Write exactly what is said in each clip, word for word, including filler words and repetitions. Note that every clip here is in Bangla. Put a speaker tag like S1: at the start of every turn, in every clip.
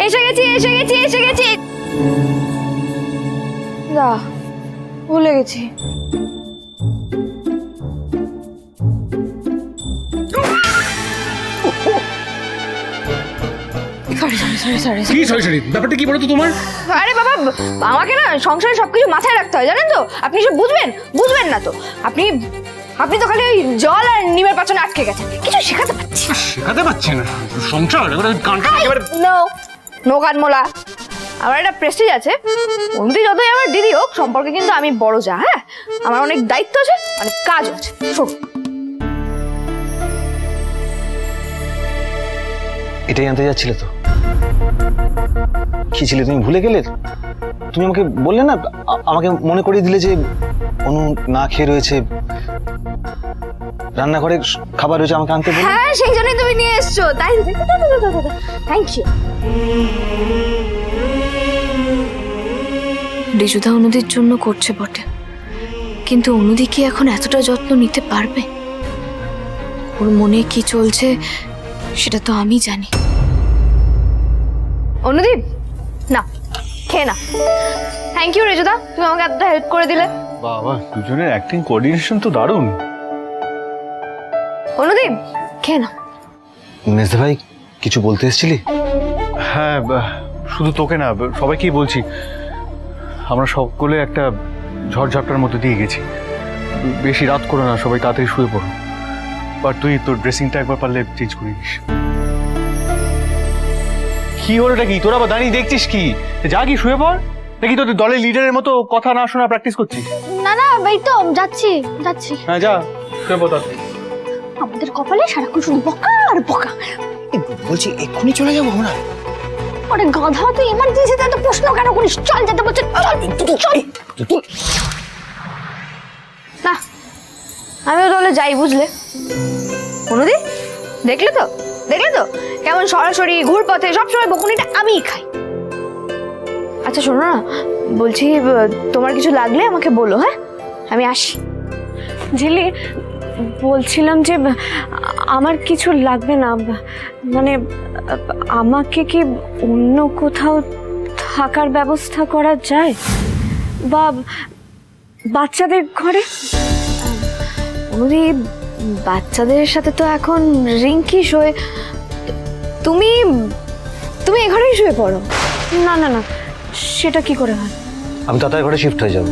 S1: এসে গেছি এসে গেছি এসে গেছি না ভুলে গেছি। সরি সরি সরি সরি
S2: কি সরি সরি ব্যাপারটা কি বলো তো তোমার?
S1: আরে বাবা, আমাকে না সংসারে সবকিছু মাথায় রাখতে হয় জানেন তো। আপনি সব বুঝবেন বুঝবেন না তো। আপনি আপনি তো খালি ওই জল আর নিমের পাচনে আটকে গেছেন, কিছু শেখাতে পারছি না।
S2: শেখাতে পারছি না সংসার এবারে গানটা একেবারে
S1: নো নো কানমোলা, আমার একটা প্রেস্টিজ আছে। অন্তি যতই আমার দিদি হোক, সম্পর্কে কিন্তু আমি বড় যা। হ্যাঁ, আমার অনেক দায়িত্ব আছে, অনেক কাজ আছে। শোন,
S3: এটাই জানতে যাচ্ছিলে তো? কি ছিলে তুমি, ভুলে গেলে? তুমি আমাকে বললে না, আ- আমাকে মনে করিয়ে দিলে যে অনু না খেয়ে রয়েছে, রান্নাঘরে খাবার রয়েছে, আমাকে আনতে বললে।
S1: হ্যাঁ সেই জন্যই তুমি নিয়ে এসছো, তাই থ্যাংক ইউ। রিজুদা অনুদির জন্য করছে বটে, কিন্তু অনুদি কি এখন এতটা যত্ন নিতে পারবে? ওর মনে কি চলছে সেটা তো আমি জানি। অনুদীপ না, খেয়ে না। থ্যাংক ইউ রিজুদা, তুমি আমাকে এতটা হেল্প করে দিলে।
S4: বাবা, দুজনের অ্যাক্টিং কোঅর্ডিনেশন তো দারুণ।
S1: অনুদীপ খেয়ে না।
S3: মেজদা ভাই, কিছু বলতে এসেছিলি?
S4: হ্যাঁ, বা- শুধু তোকে না, সবাইকেই বলছি, আমরা সকলে একটা ঝড়ঝাপটার মধ্যে দিয়ে গেছি। বেশি রাত করো না, সবাই তাড়াতাড়ি শুয়ে পড়ো। আর তুই তোর ড্রেসিংটা একবার পারলে চেঞ্জ করে দিস। কি হলোটা কি? তোরা আবার দাঁড়িয়ে দেখছিস কি? যা কি শুয়ে পড়। নাকি তোদের দলের লিডারের মতো কথা না শোনা প্র্যাকটিস করছিস?
S5: না না এই তো যাচ্ছি যাচ্ছি।
S4: হ্যাঁ যা, শুয়ে পড় তাড়াতাড়ি।
S5: আমাদের কপালে সারাক্ষণ শুধু বকা আর বকা।
S2: বলছি এক্ষুনি চলে যাবো আমরা।
S5: ওরে গাধা, তুই ইমার্জেন্সিতে এত প্রশ্ন কেন করিস? চল যেতে বলছে, চল চল।
S1: না আমিও তাহলে যাই, বুঝলে? অনুদি দেখলে তো দেখলে তো কেমন সরাসরি ঘুর পথে সবসময় বকুনিটা আমিই খাই। আচ্ছা শোনো না, বলছি তোমার কিছু লাগলে আমাকে বলো। হ্যাঁ, আমি আসি।
S6: ঝিলি, বলছিলাম যে আমার কিছু লাগবে না, মানে আমাকে কি অন্য কোথাও থাকার ব্যবস্থা করা যায়, বা বাচ্চাদের ঘরে?
S1: অনুদি বাচ্চাদের সাথে তো এখন রিঙ্কি শোয়, তুমি তুমি এ ঘরেই শুয়ে পড়ো।
S6: না না না, সেটা কি করে হয়?
S3: আমি তাড়াতাড়ি ঘরে শিফট হয়ে যাব।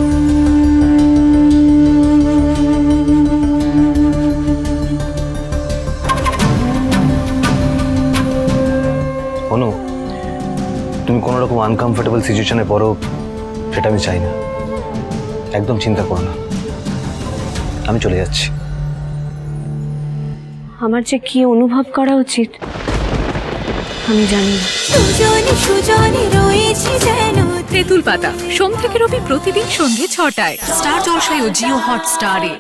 S3: অনু, তুমি কোনো রকম আনকমফোর্টেবল সিচুয়েশনে পড়ো, সেটা আমি চাই না। একদম চিন্তা করো না, আমি চলে যাচ্ছি।
S6: আমার যে কি অনুভব করা উচিত আমি জানি না।
S7: সুজনে সুজনে রয়েছে যেন তেঁতুল পাতা, সোম থেকে রবি প্রতিদিন সন্ধ্যে ছটায় স্টার জলসায় ও জিও হটস্টারে।